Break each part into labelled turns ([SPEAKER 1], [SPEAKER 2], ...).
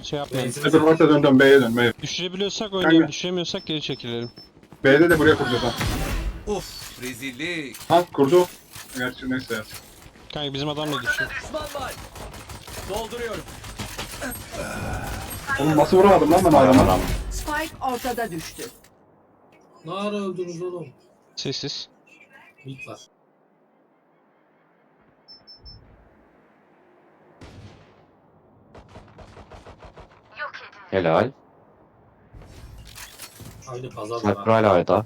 [SPEAKER 1] Şey yapmayalım.
[SPEAKER 2] Dur orta dön B'ye dön B'ye.
[SPEAKER 1] Düşürebiliyorsak oynayalım,
[SPEAKER 2] Kanka.
[SPEAKER 1] düşüremiyorsak geri çekilelim.
[SPEAKER 2] B'de de buraya kuracağız ha.
[SPEAKER 3] Uf, rezillik.
[SPEAKER 2] Ha kurdu. Gerçi neyse ya.
[SPEAKER 1] Kanka bizim adam da düşüyor.
[SPEAKER 3] Düşman var. Dolduruyorum.
[SPEAKER 2] Oğlum nasıl vuramadım lan ben adamı?
[SPEAKER 4] Spike ortada düştü.
[SPEAKER 5] Ne ara öldünüz oğlum?
[SPEAKER 1] Sessiz.
[SPEAKER 5] Mid var.
[SPEAKER 6] Helal.
[SPEAKER 5] Aynı pazar
[SPEAKER 6] Sniper
[SPEAKER 5] var.
[SPEAKER 6] hala ayda.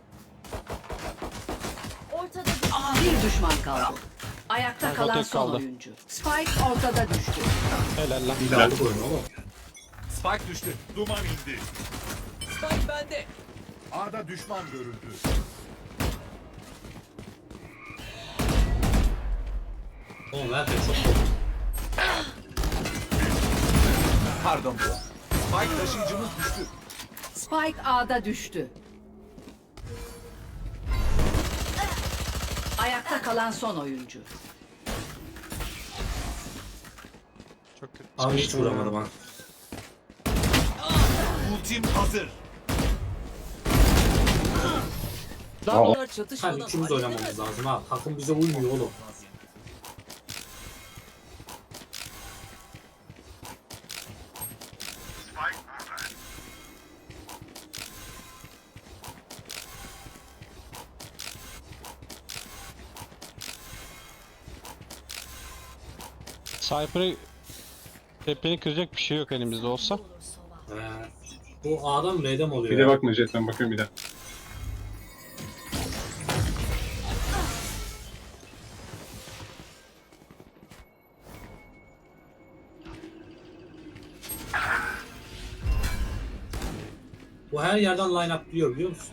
[SPEAKER 4] Bir düşman kaldı. Ayakta
[SPEAKER 1] Kanka
[SPEAKER 4] kalan
[SPEAKER 1] tek
[SPEAKER 4] son
[SPEAKER 1] kaldı.
[SPEAKER 4] oyuncu. Spike ortada düştü.
[SPEAKER 1] Helal lan.
[SPEAKER 5] Bir de aldık oyunu oğlum.
[SPEAKER 3] Spike düştü.
[SPEAKER 7] Duman indi.
[SPEAKER 3] Spike bende.
[SPEAKER 7] A'da düşman görüldü.
[SPEAKER 5] Oğlum herkes çok korktu.
[SPEAKER 3] Pardon. Spike taşıyıcımız düştü.
[SPEAKER 4] Spike A'da düştü. Ayakta kalan son oyuncu.
[SPEAKER 1] Çok kötü.
[SPEAKER 5] Abi hiç vuramadım ha.
[SPEAKER 7] Ultim hazır.
[SPEAKER 3] Bunlar
[SPEAKER 5] Ha
[SPEAKER 3] çatışmadan
[SPEAKER 5] ikimiz oynamamız lazım ha. Takım bize uymuyor oğlum.
[SPEAKER 1] Cypher'ı tepeni kıracak bir şey yok elimizde olsa.
[SPEAKER 5] Bu A'dan B'de mi oluyor
[SPEAKER 2] Bir de
[SPEAKER 5] ya?
[SPEAKER 2] bakma jetten bakıyorum bir de.
[SPEAKER 5] Bu her yerden line up biliyor musun?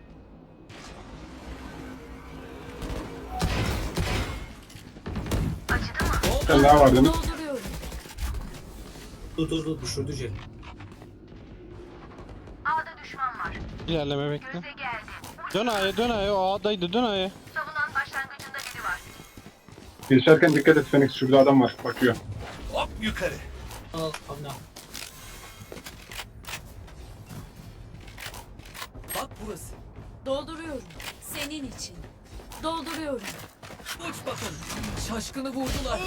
[SPEAKER 2] Sen daha var değil mi?
[SPEAKER 5] Dur düşürdü jet.
[SPEAKER 8] A'da düşman var.
[SPEAKER 1] İlerleme bekle.
[SPEAKER 8] Göze geldi.
[SPEAKER 1] Dön A'ya, dön A'ya, o A'daydı, dön A'ya.
[SPEAKER 8] Savunan başlangıcında biri var.
[SPEAKER 2] Geçerken dikkat et Phoenix, şurada adam var bakıyor.
[SPEAKER 7] Hop yukarı.
[SPEAKER 5] Al anla.
[SPEAKER 3] Bak burası.
[SPEAKER 9] Dolduruyorum. Senin için. Dolduruyorum.
[SPEAKER 3] Uç bakın. Şaşkını vurdular.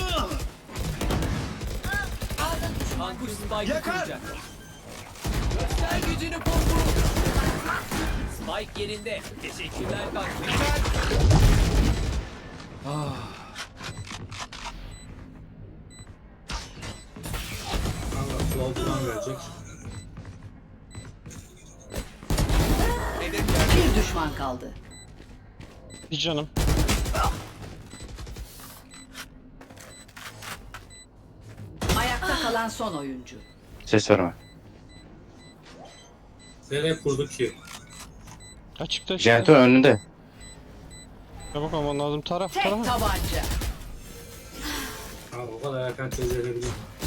[SPEAKER 3] Kankuş Spike'ı kıracak. Göster gücünü pompu. Spike yerinde. Teşekkürler Kankuş.
[SPEAKER 5] Kanka flow'dan gelecek.
[SPEAKER 4] Bir düşman kaldı.
[SPEAKER 1] Bir canım.
[SPEAKER 4] Ayakta kalan son oyuncu.
[SPEAKER 6] Ses verme.
[SPEAKER 5] Nereye kurduk ki?
[SPEAKER 1] Açıkta işte.
[SPEAKER 6] Jeneratör önünde.
[SPEAKER 1] Çabuk olman lazım. Taraf,
[SPEAKER 4] Tek
[SPEAKER 1] taraf.
[SPEAKER 4] tabanca.
[SPEAKER 5] Kanka o kadar erken çözebilir.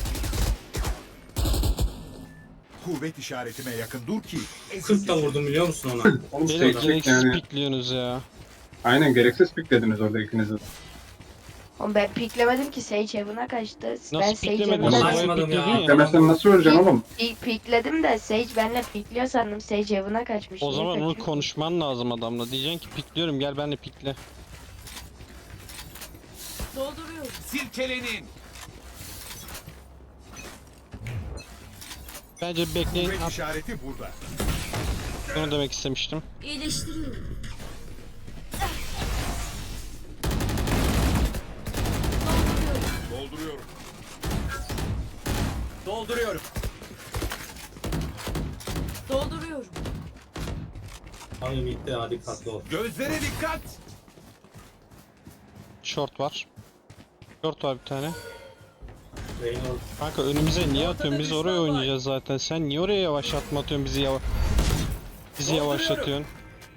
[SPEAKER 7] Kuvvet işaretime yakın dur ki.
[SPEAKER 5] 40 da vurdum biliyor musun ona?
[SPEAKER 2] Oğlum
[SPEAKER 1] Beni
[SPEAKER 2] seçtik
[SPEAKER 1] gereksiz
[SPEAKER 2] yani.
[SPEAKER 1] pikliyorsunuz ya.
[SPEAKER 2] Aynen gereksiz piklediniz orada ikiniz de.
[SPEAKER 10] Oğlum ben piklemedim ki Sage Heaven'a kaçtı. Ben
[SPEAKER 1] Nasıl
[SPEAKER 10] Sage
[SPEAKER 1] piklemedin?
[SPEAKER 5] Heaven'a-
[SPEAKER 10] Heaven'a
[SPEAKER 5] Saçmadım ya.
[SPEAKER 1] Pikledin ya.
[SPEAKER 2] Demesen nasıl öleceksin oğlum?
[SPEAKER 10] pikledim de Sage benle pikliyor sandım. Sage Heaven'a kaçmış.
[SPEAKER 1] O
[SPEAKER 10] Niye
[SPEAKER 1] zaman onu
[SPEAKER 10] kaçıyor?
[SPEAKER 1] konuşman lazım adamla. Diyeceksin ki pikliyorum, gel benimle pikle.
[SPEAKER 9] Dolduruyorum.
[SPEAKER 3] Silkelenin.
[SPEAKER 1] Bence bekleyin.
[SPEAKER 7] Kuvvet işareti burada.
[SPEAKER 1] Bunu demek istemiştim.
[SPEAKER 9] İyileştiriyorum.
[SPEAKER 7] Dolduruyorum.
[SPEAKER 3] Dolduruyorum.
[SPEAKER 9] Dolduruyorum.
[SPEAKER 5] Abi midde hadi dikkatli ol.
[SPEAKER 7] Gözlere dikkat.
[SPEAKER 1] Short var. Short var bir tane.
[SPEAKER 5] Reyna
[SPEAKER 1] Kanka önümüze niye atıyorsun? Biz oraya oynayacağız zaten. Sen niye oraya yavaşlatma atıyorsun? Bizi yavaşlatıyorsun.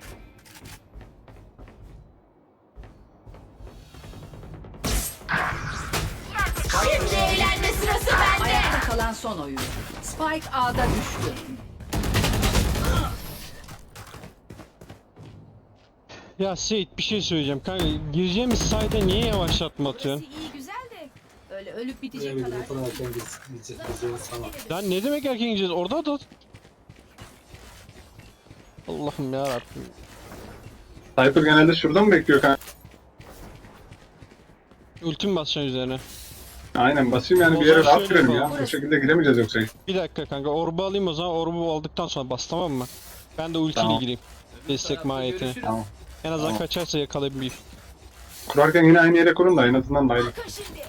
[SPEAKER 9] Şimdi eğlenme sırası bende.
[SPEAKER 4] Ayakta kalan son oyuncu. Spike A'da düştü.
[SPEAKER 1] Ya Seyit bir şey söyleyeceğim kanka. Gireceğimiz sayede niye yavaşlatma atıyorsun?
[SPEAKER 9] İyi güzel de. öyle ölüp
[SPEAKER 5] Buraya
[SPEAKER 9] bitecek
[SPEAKER 5] bir
[SPEAKER 9] kadar.
[SPEAKER 5] bu kadar erken gideceğiz tamam.
[SPEAKER 1] Lan ne demek erken gideceğiz? Orada da. Allah'ım ya Rabbim.
[SPEAKER 2] Cypher genelde şurada mı bekliyor kanka?
[SPEAKER 1] Ultim basacaksın üzerine.
[SPEAKER 2] Aynen basayım yani
[SPEAKER 1] O
[SPEAKER 2] bir yere
[SPEAKER 1] zaman
[SPEAKER 2] rahat
[SPEAKER 1] şöyle
[SPEAKER 2] girelim ya.
[SPEAKER 1] yapalım.
[SPEAKER 2] Bu şekilde giremeyeceğiz yoksa.
[SPEAKER 1] Bir dakika kanka, orbu alayım o zaman. Orbu aldıktan sonra bas, tamam mı? Ben de ultiyle
[SPEAKER 2] Tamam.
[SPEAKER 1] gireyim. Destek
[SPEAKER 3] Tarafta
[SPEAKER 1] mahiyetine.
[SPEAKER 3] görüşürüz.
[SPEAKER 2] Tamam.
[SPEAKER 1] En azından
[SPEAKER 2] Tamam.
[SPEAKER 1] kaçarsa yakalayabilir.
[SPEAKER 2] Kurarken yine aynı yere kurun da en azından dahil.
[SPEAKER 9] Bakın şimdi.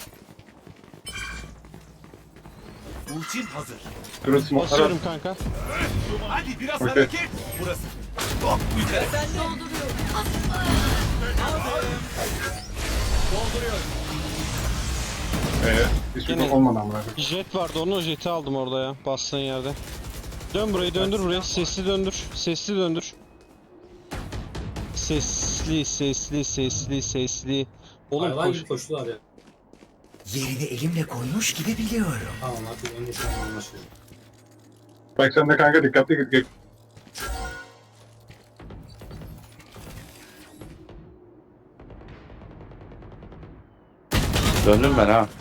[SPEAKER 7] Ultim hazır.
[SPEAKER 2] Durun smoke'lara.
[SPEAKER 1] Basıyorum kanka.
[SPEAKER 7] Hadi biraz
[SPEAKER 2] Okey.
[SPEAKER 7] hareket. Burası. Hop yukarı.
[SPEAKER 3] Sen de
[SPEAKER 9] Dolduruyorum.
[SPEAKER 3] dolduruyorum.
[SPEAKER 2] Hiçbir
[SPEAKER 1] Gene-
[SPEAKER 2] şey olmadan bırakın.
[SPEAKER 1] Jet vardı, onun jeti aldım orada ya. Bastığın yerde. Dön burayı, döndür burayı. Sesli döndür. Sesli döndür. Sesli, sesli, sesli, sesli. Oğlum
[SPEAKER 5] Hayvan
[SPEAKER 1] koş.
[SPEAKER 5] gibi koştular ya.
[SPEAKER 3] Yerini elimle koymuş gibi biliyorum.
[SPEAKER 5] Tamam artık önce şu an anlaşılıyor.
[SPEAKER 2] Bak sen de kanka dikkatli git.
[SPEAKER 6] Döndüm ben ha.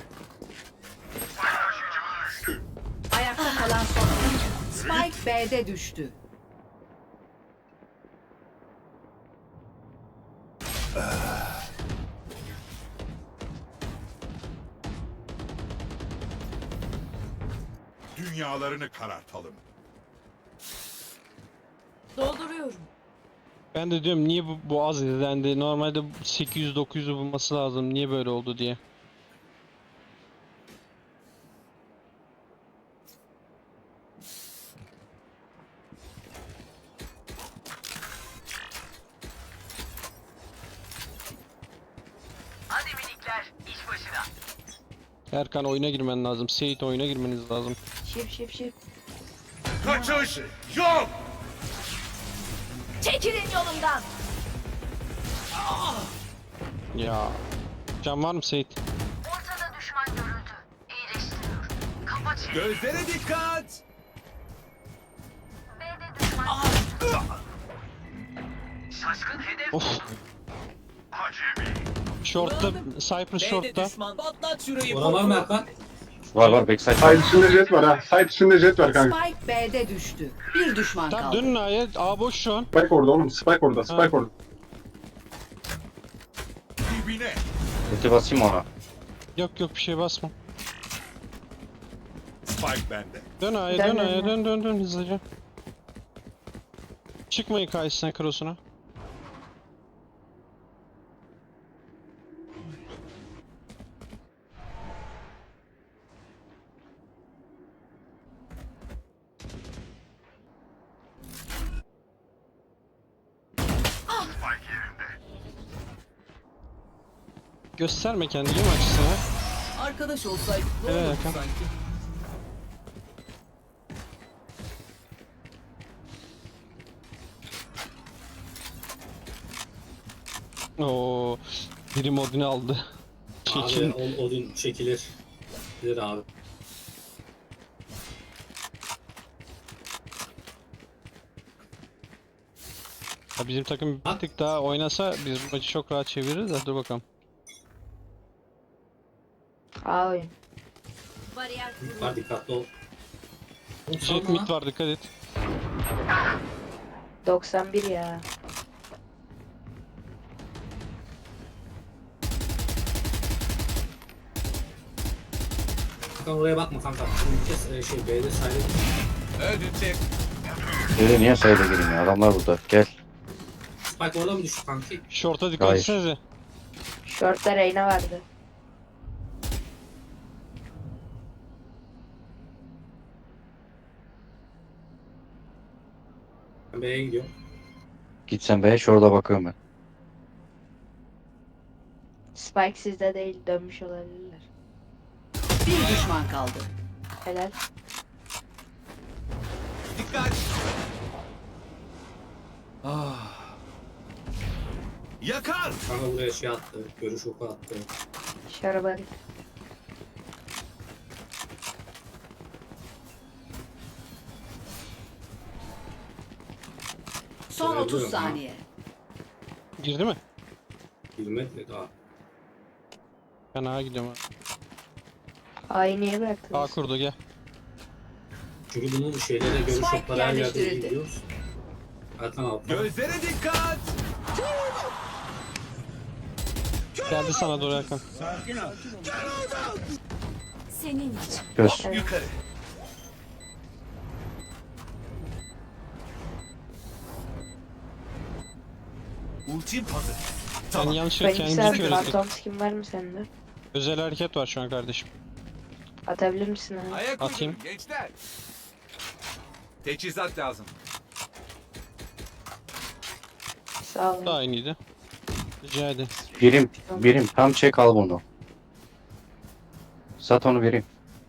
[SPEAKER 4] Ayakta kalan son oyuncu. Spike B'de düştü.
[SPEAKER 7] Dünyalarını karartalım.
[SPEAKER 9] Dolduruyorum.
[SPEAKER 1] Ben de diyorum niye bu az izlendi. Normalde 800-900'ü bulması lazım. Niye böyle oldu diye.
[SPEAKER 8] Hadi minikler, iş başına.
[SPEAKER 1] Erkan oyuna girmen lazım. Seyit oyuna girmeniz lazım.
[SPEAKER 10] Şif.
[SPEAKER 7] Kaçış yok.
[SPEAKER 9] Çekilin yolumdan.
[SPEAKER 1] Ya. Can var mı Seyit?
[SPEAKER 8] Ortada düşman görüldü. İyileştiriyor. Kafa çevir.
[SPEAKER 3] Gözlere dikkat.
[SPEAKER 8] B'de düşman. Şaşkın hedef.
[SPEAKER 1] Of. Short'ta, Cypher
[SPEAKER 3] B'de
[SPEAKER 1] short'ta.
[SPEAKER 3] düşman. Patlat şurayı.
[SPEAKER 5] Oralar mı Erkan?
[SPEAKER 6] Var backside
[SPEAKER 2] Side
[SPEAKER 6] var.
[SPEAKER 2] içinde jet var ha. Side içinde jet var kanka.
[SPEAKER 4] Spike B'de düştü. Bir düşman
[SPEAKER 1] Tamam
[SPEAKER 4] kaldı.
[SPEAKER 1] dönün A'ya. A boş şu an.
[SPEAKER 2] Spike orada oğlum. Spike orada. Spike orada.
[SPEAKER 7] Dibine.
[SPEAKER 6] Ulti basayım ona.
[SPEAKER 1] Yok bir şey basma.
[SPEAKER 7] Spike bende.
[SPEAKER 1] Dön A'ya,
[SPEAKER 10] Dön,
[SPEAKER 1] dön
[SPEAKER 10] dön,
[SPEAKER 1] A'ya,
[SPEAKER 10] dön.
[SPEAKER 1] dön hızlıca. Çıkmayın karşısına, krosuna. Gösterme kendini mi açısına?
[SPEAKER 3] Arkadaş olsaydık ne
[SPEAKER 1] Evet,
[SPEAKER 3] olurdu
[SPEAKER 1] Hakan.
[SPEAKER 3] sanki?
[SPEAKER 1] Oo, biri modunu aldı. Çekil.
[SPEAKER 5] Abi Odin çekilir. Bilir abi.
[SPEAKER 1] Ya bizim takım bir tık daha oynasa biz bu maçı çok rahat çeviririz de dur bakalım.
[SPEAKER 10] A oyun.
[SPEAKER 9] Bariyer kurulu.
[SPEAKER 5] Var dikkatli ol. Oğlum
[SPEAKER 1] Jet
[SPEAKER 5] salma lan.
[SPEAKER 1] mid var, dikkat et.
[SPEAKER 10] 91 ya.
[SPEAKER 5] Hakan oraya bakma kanka. Şimdi kes B'de sayılır.
[SPEAKER 3] Öldürecek.
[SPEAKER 6] Dedi niye sayıda gireyim ya? Adamlar burada. Gel.
[SPEAKER 5] Spike orada mı düştü kanki?
[SPEAKER 1] Short'a dikkat
[SPEAKER 6] Hayır.
[SPEAKER 1] etsenize.
[SPEAKER 10] Short'ta Reyna vardı.
[SPEAKER 5] Ben B'ye gidiyorum.
[SPEAKER 6] Gitsen be şurada bakıyorum ben.
[SPEAKER 10] Spike sizde değil, dönmüş olabilirler.
[SPEAKER 4] Bir düşman kaldı.
[SPEAKER 10] Helal.
[SPEAKER 3] Dikkat.
[SPEAKER 7] Yakar.
[SPEAKER 5] Kanka buraya şey attı. Görüş oku attı.
[SPEAKER 10] Şarabari.
[SPEAKER 4] Son 30
[SPEAKER 5] Görebiliyorum ha.
[SPEAKER 4] saniye.
[SPEAKER 1] Girdi mi?
[SPEAKER 5] Girmedi daha.
[SPEAKER 1] Ben A'ya gidiyorum abi.
[SPEAKER 10] A'yı niye
[SPEAKER 1] A
[SPEAKER 10] bıraktınız?
[SPEAKER 1] kurdu gel.
[SPEAKER 5] Çünkü bunun şeylere göre
[SPEAKER 4] Spike
[SPEAKER 5] şokları her yerde
[SPEAKER 4] yerleştirildi.
[SPEAKER 5] biliyoruz. Erkan altta.
[SPEAKER 7] Gözlere dikkat.
[SPEAKER 1] Geldi sana doğru Erkan.
[SPEAKER 9] Senin için.
[SPEAKER 6] Göz.
[SPEAKER 7] Yukarı. Ultim hazır.
[SPEAKER 1] Sen yanlış
[SPEAKER 10] Ben
[SPEAKER 1] kendimizi
[SPEAKER 10] güzel
[SPEAKER 1] kör ettik.
[SPEAKER 10] Phantom skin var mı sende?
[SPEAKER 1] Özel hareket var şu an kardeşim.
[SPEAKER 10] Atabilir misin abi?
[SPEAKER 7] Ayak
[SPEAKER 1] Atayım.
[SPEAKER 7] uydurun gençler. Teçhizat lazım.
[SPEAKER 10] Sağ ol.
[SPEAKER 1] Da aynıydı. Rica ederim.
[SPEAKER 6] Birim tam çek al bunu. Sat onu birim.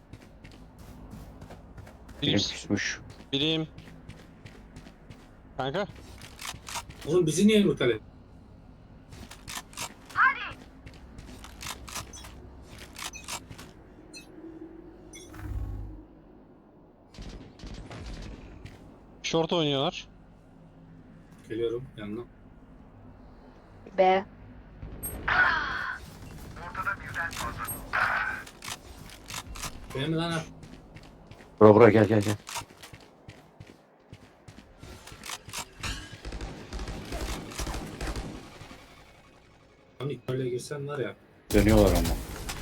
[SPEAKER 6] Birim
[SPEAKER 1] Birim.
[SPEAKER 6] küsmüş.
[SPEAKER 1] Birim. Kanka.
[SPEAKER 5] Oğlum bizi niye mutal et?
[SPEAKER 1] Short oynuyorlar.
[SPEAKER 5] Geliyorum yanına.
[SPEAKER 10] B.
[SPEAKER 5] Benim lan ha.
[SPEAKER 6] Bura gel gel gel.
[SPEAKER 5] Lan ilk böyle girsen var ya.
[SPEAKER 6] Dönüyorlar ama.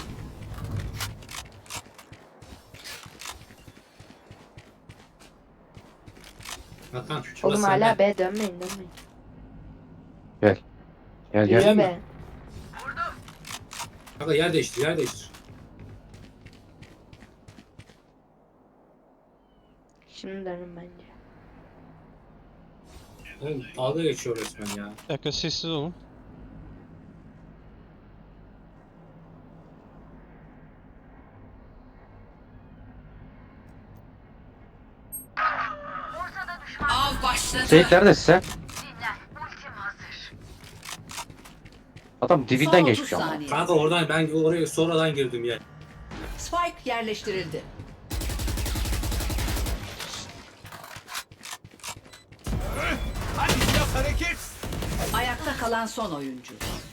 [SPEAKER 5] Erkan. şurası
[SPEAKER 10] Oğlum
[SPEAKER 5] sende.
[SPEAKER 10] hala B dönmeyin dönmeyin.
[SPEAKER 6] Gel
[SPEAKER 5] Gel.
[SPEAKER 6] gel.
[SPEAKER 10] Yürü B.
[SPEAKER 5] Kanka yer değiştir yer değiştir.
[SPEAKER 10] Şimdi dönün bence.
[SPEAKER 5] Oğlum dalga geçiyor resmen ya.
[SPEAKER 1] Bir dakika sessiz olun.
[SPEAKER 4] Av başladı.
[SPEAKER 6] Seyit neredesin sen?
[SPEAKER 8] Dinlen. Ultim hazır.
[SPEAKER 6] Adam
[SPEAKER 4] Son
[SPEAKER 6] dibinden
[SPEAKER 4] 30
[SPEAKER 6] geçmiş ama.
[SPEAKER 4] saniye.
[SPEAKER 5] Kanka oradan ben oraya sonradan girdim ya.
[SPEAKER 4] Spike yerleştirildi.
[SPEAKER 7] Hadi biraz hareket.
[SPEAKER 4] Ayakta kalan son oyuncu.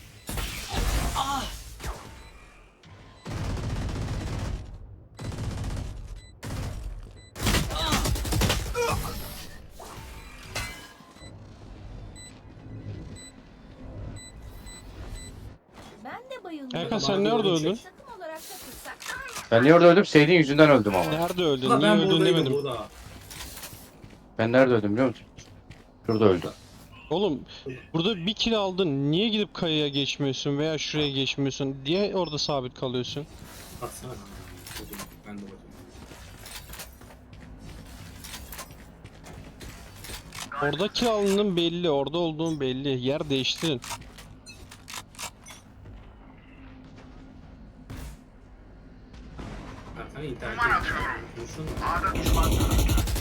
[SPEAKER 9] Ben de bayıldım.
[SPEAKER 1] Erkan sen nerede öldün?
[SPEAKER 9] Takım olarak takılsak.
[SPEAKER 6] Ben niye orada öldüm? Seyit'in yüzünden öldüm ama.
[SPEAKER 1] Nerede öldün?
[SPEAKER 5] Kanka
[SPEAKER 1] Niye
[SPEAKER 5] ben
[SPEAKER 1] öldün
[SPEAKER 5] buradaydım
[SPEAKER 1] demedim.
[SPEAKER 5] burada.
[SPEAKER 6] Ben nerede öldüm biliyor musun? Şurada öldüm.
[SPEAKER 1] Oğlum burada bir kill aldın. Niye gidip kayaya geçmiyorsun veya şuraya geçmiyorsun diye orada sabit kalıyorsun.
[SPEAKER 5] Baksana kanka. Ben de bakayım.
[SPEAKER 1] Orada kill aldığın belli. Orada olduğun belli. Yer değiştirin.
[SPEAKER 5] Erkan internete konuşsana.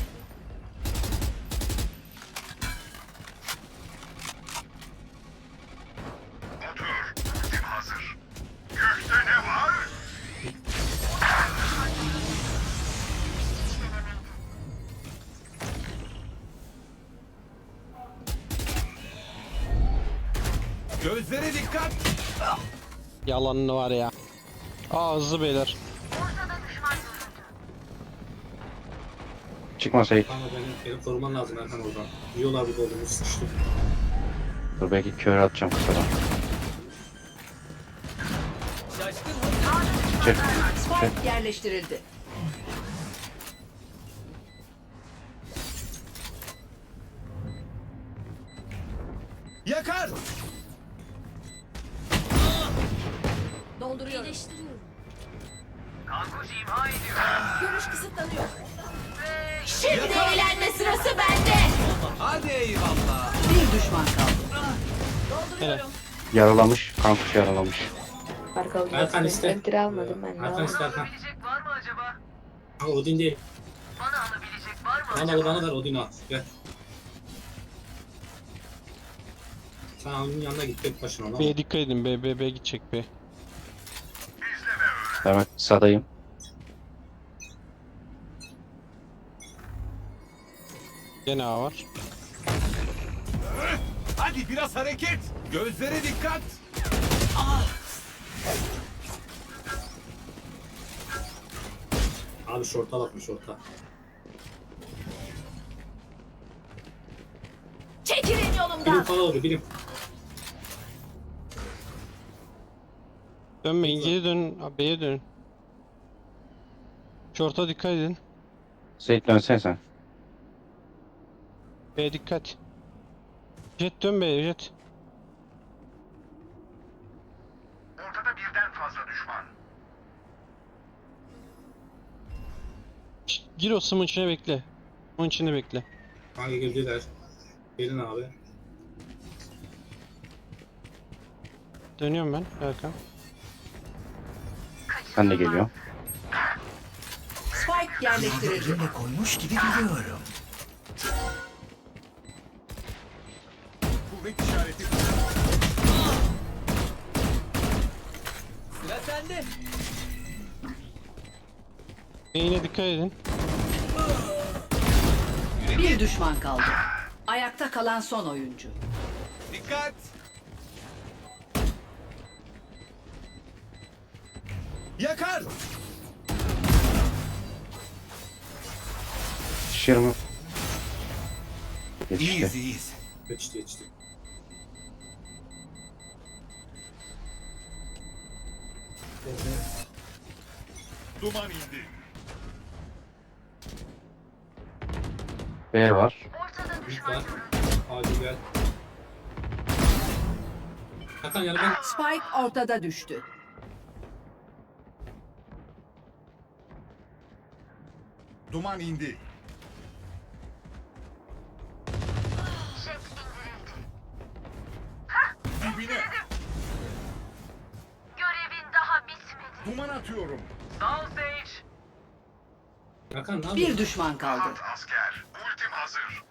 [SPEAKER 7] Gözlere dikkat.
[SPEAKER 1] Yalanını var ya. Aa hızlı beyler.
[SPEAKER 6] Çıkma Seyit.
[SPEAKER 5] Kanka beni koruman lazım Erkan oradan. Yiyorlar burada olduğunu sıçtı.
[SPEAKER 6] Dur belki kör atacağım kısadan. Çık.
[SPEAKER 4] Spike yerleştirildi.
[SPEAKER 7] Yakar.
[SPEAKER 9] Dolduruyorum. İyileştiriyorum. Görüş kısıtlanıyor. Şimdi eğlenme sırası bende.
[SPEAKER 7] Hadi eyvallah.
[SPEAKER 4] Bir düşman kaldı.
[SPEAKER 9] Dolduruyorum.
[SPEAKER 6] Yaralamış. Kankuş yaralamış.
[SPEAKER 10] Arka
[SPEAKER 5] Erkan iste.
[SPEAKER 10] Enter almadım ben de.
[SPEAKER 5] Erkan iste Erkan.
[SPEAKER 8] Var mı acaba?
[SPEAKER 5] Ha Odin değil.
[SPEAKER 8] Bana alabilecek var mı
[SPEAKER 5] Bana
[SPEAKER 8] acaba?
[SPEAKER 5] al bana ver Odin'i al. Gel. Sen onun yanına git tek başına lan.
[SPEAKER 1] B'ye dikkat edin. B gidecek B.
[SPEAKER 6] Evet sadayım.
[SPEAKER 1] Gene A var.
[SPEAKER 7] Hadi biraz hareket. Gözlere dikkat.
[SPEAKER 5] Abi şorta bakma şorta.
[SPEAKER 9] Çekilin
[SPEAKER 5] Bilim
[SPEAKER 9] yolumdan.
[SPEAKER 5] falan oluyor bilim.
[SPEAKER 1] Dönmeyin, geri dönün. Abi, B'ye dönün. Short'a dikkat edin.
[SPEAKER 6] Seyit dönsen sen.
[SPEAKER 1] B'ye dikkat. Jet dön B'ye Jet.
[SPEAKER 8] Ortada birden fazla düşman.
[SPEAKER 1] Gir o sımın içine bekle. Onun içinde bekle.
[SPEAKER 5] Hangi girdiler? Gelin abi.
[SPEAKER 1] Dönüyorum ben Erkan.
[SPEAKER 6] Ben de geliyorum.
[SPEAKER 4] Spike
[SPEAKER 3] Yerini
[SPEAKER 4] yerleştirildi.
[SPEAKER 3] elimle koymuş gibi biliyorum.
[SPEAKER 7] Kuvvet işareti.
[SPEAKER 5] Sıra sende.
[SPEAKER 1] B'ye dikkat edin.
[SPEAKER 4] Bir düşman kaldı. Ayakta kalan son oyuncu.
[SPEAKER 7] Dikkat. Yakar.
[SPEAKER 6] Şişir mi? Yetişti.
[SPEAKER 7] İyiyiz iyiyiz.
[SPEAKER 5] Geçti.
[SPEAKER 7] Duman indi.
[SPEAKER 6] B var.
[SPEAKER 8] Ortada
[SPEAKER 5] Büyük
[SPEAKER 8] düşman
[SPEAKER 5] var.
[SPEAKER 8] görüldü.
[SPEAKER 5] Hadi gel. Hakan yani ben
[SPEAKER 4] Spike ortada düştü.
[SPEAKER 7] Duman indi.
[SPEAKER 8] Jet indirildi.
[SPEAKER 7] Dibine.
[SPEAKER 8] Görevin daha bitmedi.
[SPEAKER 7] Duman atıyorum.
[SPEAKER 5] Hakan ne yapıyorsun?
[SPEAKER 4] Bir düşman kaldı.
[SPEAKER 8] Asker. Ultim hazır.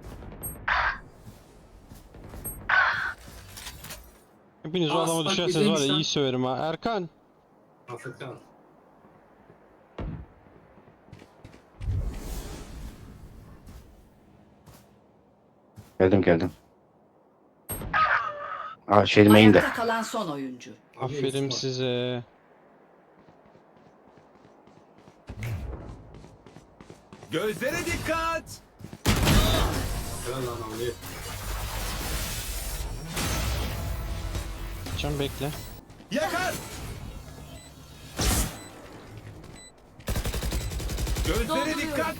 [SPEAKER 1] Hepiniz o
[SPEAKER 5] Aa,
[SPEAKER 1] adama
[SPEAKER 5] Spike
[SPEAKER 1] düşerseniz var ya
[SPEAKER 5] bizeymiş lan.
[SPEAKER 1] iyi söverim ha. Erkan.
[SPEAKER 5] Afrika.
[SPEAKER 6] Geldim. Aa şey main'de.
[SPEAKER 4] Ayakta kalan son oyuncu.
[SPEAKER 5] Abi,
[SPEAKER 1] Aferin
[SPEAKER 5] Yusuf var.
[SPEAKER 1] size.
[SPEAKER 7] Gözlere dikkat.
[SPEAKER 5] Helal lan abi.
[SPEAKER 1] Can bekle.
[SPEAKER 7] Yakar. Gözlere dikkat.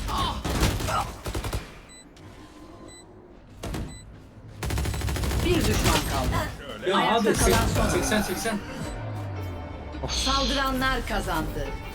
[SPEAKER 4] Bir düşman kaldı.
[SPEAKER 5] Ya
[SPEAKER 4] Ayakta
[SPEAKER 5] abi
[SPEAKER 4] kalan son
[SPEAKER 5] 80.
[SPEAKER 4] Saldıranlar kazandı.